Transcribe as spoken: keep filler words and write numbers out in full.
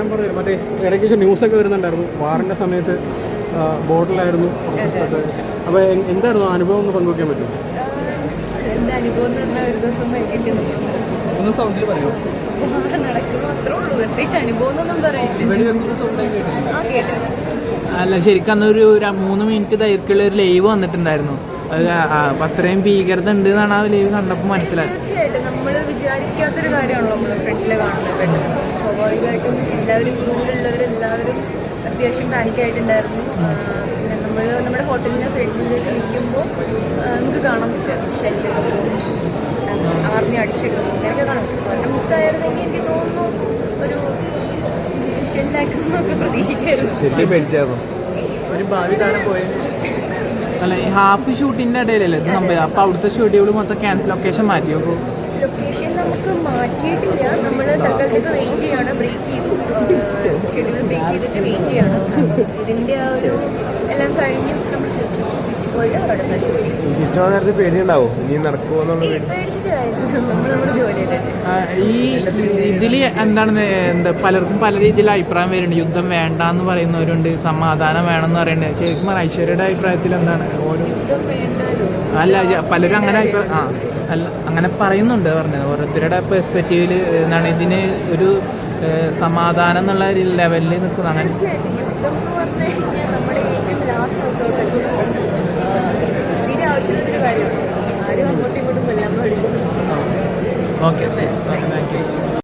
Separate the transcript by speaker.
Speaker 1: ഞാൻ പറഞ്ഞു മറ്റേ ഇടയ്ക്ക് ന്യൂസൊക്കെ വരുന്നുണ്ടായിരുന്നു വാറിൻ്റെ സമയത്ത് ബോട്ടിലായിരുന്നു. അപ്പോൾ എന്തായിരുന്നു അനുഭവം ഒന്ന് പങ്കുവയ്ക്കാൻ പറ്റും?
Speaker 2: എൻ്റെ അനുഭവം എന്ന് പറഞ്ഞാൽ ഒരു ദിവസം വൈകിട്ട്
Speaker 1: ഒന്ന് സൗണ്ടിൽ പറയുമോ?
Speaker 2: നടക്കുന്നു അത്രേ ഉള്ളൂ. പ്രത്യേകിച്ച് അനുഭവം എന്നൊന്നും പറയില്ല. ആ കേട്ടോ.
Speaker 3: അല്ല ശരിക്കും അന്നൊരു മൂന്ന് മിനിറ്റ് ദൈർഘ്യമുള്ള ഒരു ലൈവ് വന്നിട്ടുണ്ടായിരുന്നു. അത് അത്രയും ഭീകരത ഉണ്ട് എന്നാണ് ആ ലൈവ് കണ്ടപ്പോൾ മനസ്സിലായത്.
Speaker 2: തീർച്ചയായിട്ടും നമ്മൾ വിചാരിക്കാത്തൊരു കാര്യമാണല്ലോ നമ്മൾ ഫ്രണ്ടിൽ കാണുന്നത്. പെട്ടെന്ന് സ്വാഭാവികമായിട്ടും എല്ലാവരും ഗ്രൂപ്പിലുള്ളവരെല്ലാവരും അത്യാവശ്യം പാനിക്കായിട്ടുണ്ടായിരുന്നു. പിന്നെ നമ്മൾ നമ്മുടെ ഹോട്ടലിൻ്റെ ഫ്രണ്ടിലേക്ക് നിൽക്കുമ്പോൾ നമുക്ക് കാണാൻ പറ്റും ഷെല്ലുകളും ആർമി അടിച്ചിടുന്നു അങ്ങനെയൊക്കെ കാണാൻ പറ്റും. വളരെ മിസ്സായിരുന്നെങ്കിൽ എനിക്ക് തോന്നുന്നു ഒരു ഷെല്ലാക്കുന്നൊക്കെ പ്രതീക്ഷിക്കായിരുന്നു.
Speaker 1: ഒരു ഭാവി താരം പോയത്
Speaker 3: അല്ല ഈ ഹാഫ് ഷൂട്ടിൻ്റെ ഇടയിലല്ലേ ഇത് സംഭവം. അപ്പോൾ അവിടുത്തെ ഷെഡ്യൂൾ മൊത്തം ക്യാൻസൽ, ലൊക്കേഷൻ മാറ്റി. അപ്പോൾ
Speaker 2: ലൊക്കേഷൻ നമുക്ക് മാറ്റിയിട്ടില്ല. നമ്മൾ തൽക്കാലത്തേക്ക് വെയിറ്റ് ചെയ്യാണ്. ബ്രേക്ക് ചെയ്തു, ഷെഡ്യൂൾ ബ്രേക്ക് ചെയ്തിട്ട് വെയിറ്റ് ചെയ്യാണ്. ഇതിൻ്റെ ആ ഒരു എല്ലാം കഴിഞ്ഞ് നമ്മൾ തിരിച്ചു തിരിച്ചു പോയിട്ട് അവിടെ
Speaker 4: തിരിച്ചു പോകാൻ നേരത്തെ പേടിയുണ്ടാവും ഇനി നടക്കുമോ
Speaker 2: പേടിച്ചിട്ട് കാര്യമില്ല. നമ്മൾ നമ്മുടെ ജോലിയല്ലേ.
Speaker 3: ഈ ഇതിൽ എന്താണ് എന്താ പലർക്കും പല രീതിയിൽ അഭിപ്രായം വരുന്നുണ്ട്. യുദ്ധം വേണ്ട എന്ന് പറയുന്നവരുണ്ട്, സമാധാനം വേണമെന്ന് പറയുന്നുണ്ട്. ശരിക്കും ഐശ്വര്യയുടെ അഭിപ്രായത്തിൽ എന്താണ്? ഓരോ അല്ല പലരും അങ്ങനെ അഭിപ്രായം ആ അല്ല അങ്ങനെ പറയുന്നുണ്ട് പറഞ്ഞത്. ഓരോരുത്തരുടെ പെർസ്പെക്റ്റീവിൽ എന്താണ് ഇതിന് ഒരു സമാധാനം എന്നുള്ള ഒരു ലെവലിൽ നിൽക്കുന്നു. അങ്ങനെ
Speaker 2: നമ്മുടെ ഏറ്റവും ലാസ്റ്റ് റിസോർട്ടല്ലേ, തീരെ ആവശ്യമുള്ളൊരു കാര്യമാണ്. ആരും അങ്ങോട്ടും ഇങ്ങോട്ടും കൊല്ലാൻ പാടില്ല.
Speaker 3: ഓക്കെ ശരി, താങ്ക് യു.